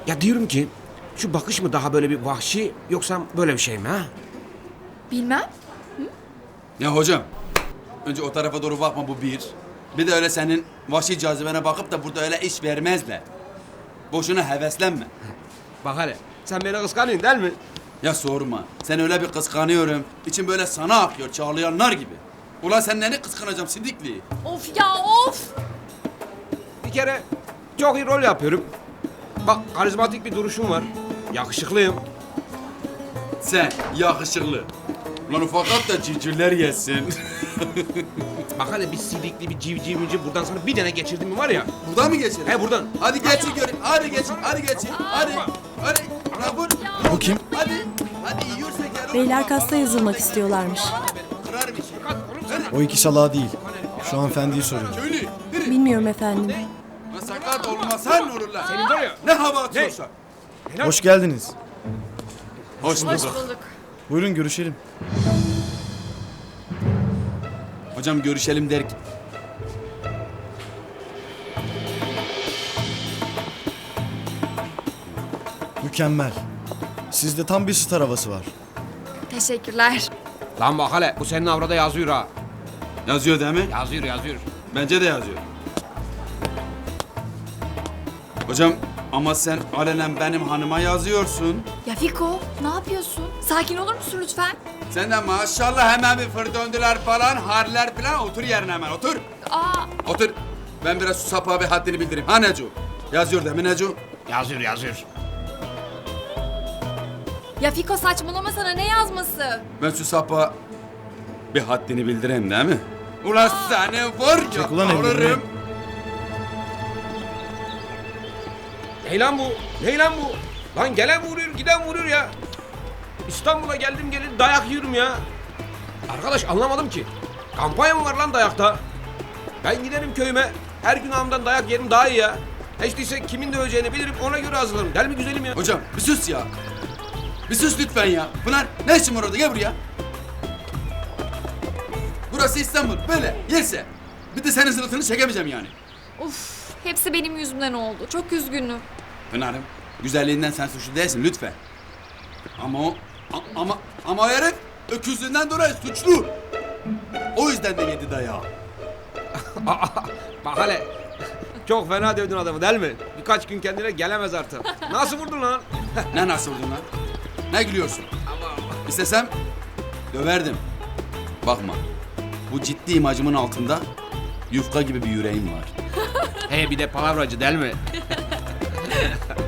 Ya diyorum ki şu bakış mı daha böyle bir vahşi yoksa böyle bir şey mi ha? Bilmem. Ya hocam, önce o tarafa doğru bakma, bu bir. Bir de öyle senin vahşi cazibene bakıp da burada öyle iş vermezler. Boşuna heveslenme. Bak hele sen beni kıskanıyorsun değil mi? Ya sorma, sen öyle bir kıskanıyorum. İçim böyle sana akıyor, çağlayanlar gibi. Ulan sen neni kıskanacağım Sidikli? Of ya of. Bir kere çok iyi rol yapıyorum. Bak karizmatik bir duruşum var. Yakışıklıyım. Sen yakışıklı. Lan ufakat da civcivler yesin. Bak hele bir sidikli bir civcivci buradan sana bir tane geçirdim mi var ya. Buradan mı geçelim? He buradan. Hadi geçin göreyim. Hadi geçin, hadi geçin. Hadi. Hadi. Ya bu kim? Hadi. Hadi yiyorsak yer. Beyler kasta yazılmak istiyorlarmış. Kırar bir şey. O iki salağı değil. Şu hanımefendiyi soruyor. Köylü. Yürü. Bilmiyorum efendim. Lan sakat olmasan olurlar. Senin var ya. Ne hava atıyorsan. Hoş geldiniz. Hoş Hoş bulduk. Buyurun görüşelim. Hocam görüşelim derken. Mükemmel. Sizde tam bir star havası var. Teşekkürler. Lan bak hele bu senin avrada yazıyor ha. Yazıyor değil mi? Yazıyor. Bence de yazıyor. Hocam ama sen alenen benim hanıma yazıyorsun. Ya Fiko ne yapıyorsun? Sakin olur musun lütfen? Sen de maşallah hemen bir fır döndüler falan, harler falan. Otur yerine hemen, otur. Aa, Otur. Ben biraz şu sapığa bir haddini bildireyim. Ha Neco? Yazıyor değil mi Neco? Yazıyor. ya Fiko saçmalama sana ne yazması? Ben şu sapığa bir haddini bildireyim değil mi? Ulan seni var ya, Çek ulan elini, alırım. Ney lan bu? Lan gelen vuruyor giden vuruyor ya. İstanbul'a geldim geleli dayak yiyorum ya. Arkadaş anlamadım ki. Kampanya mı var lan dayakta? Ben giderim köyüme. Her gün ağamdan dayak yerim daha iyi ya. Hiç değilse kimin de öleceğini bilirim ona göre hazırlarım. Del mi güzelim ya? Hocam bir sus ya. Bir sus lütfen ya. Pınar ne işin var orada, gel buraya. Burası İstanbul, böyle yerse. Bir de senin sırtını çekemeyeceğim yani. Uf, hepsi benim yüzümden oldu. Çok üzgünüm. Pınar'ım, güzelliğinden sen suçlu değilsin lütfen. Ama o, ama o herif öküzlüğünden dolayı suçlu. O yüzden de yedi dayağı. Bak hele. Çok fena dövdün adamı değil mi? Birkaç gün kendine gelemez artık. Nasıl vurdun lan? Ne nasıl vurdun lan? Ne gülüyorsun? İstesem döverdim. Bakma, bu ciddi imajımın altında yufka gibi bir yüreğim var. He bir de palavracı değil mi?